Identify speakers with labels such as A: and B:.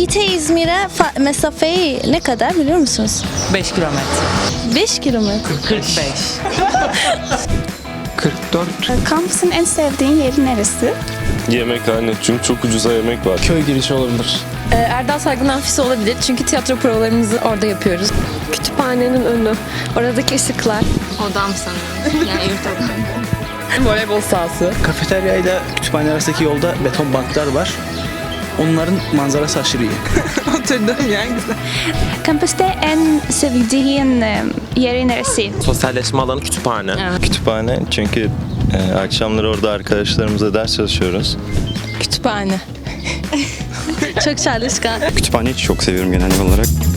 A: Fatih'te İzmir'e mesafeyi ne kadar biliyor musunuz?
B: 5 kilometre.
A: 5 kilometre.
B: 45.
C: 44.
D: Kampüsün en sevdiğin yeri neresi?
E: Yemekhane, çünkü çok ucuza yemek var.
C: Köy girişi olabilir.
F: Erdal Saygın Amfisi olabilir çünkü tiyatro provalarımızı orada yapıyoruz. Kütüphanenin önü, oradaki ışıklar.
G: Odam sanırım. Yani yurt odam.
F: Voleybol sahası.
H: Kafeterya ile kütüphane arasındaki yolda beton banklar var. Onların manzarası aşırı iyi.
B: Oturdum yani güzel.
D: Kampüste en sevdiğin yeri neresi?
I: Sosyalleşme alanı kütüphane.
E: Kütüphane, çünkü akşamları orada arkadaşlarımızla ders çalışıyoruz.
A: Kütüphane. Çok çalışkan.
J: Kütüphaneyi çok seviyorum genel olarak.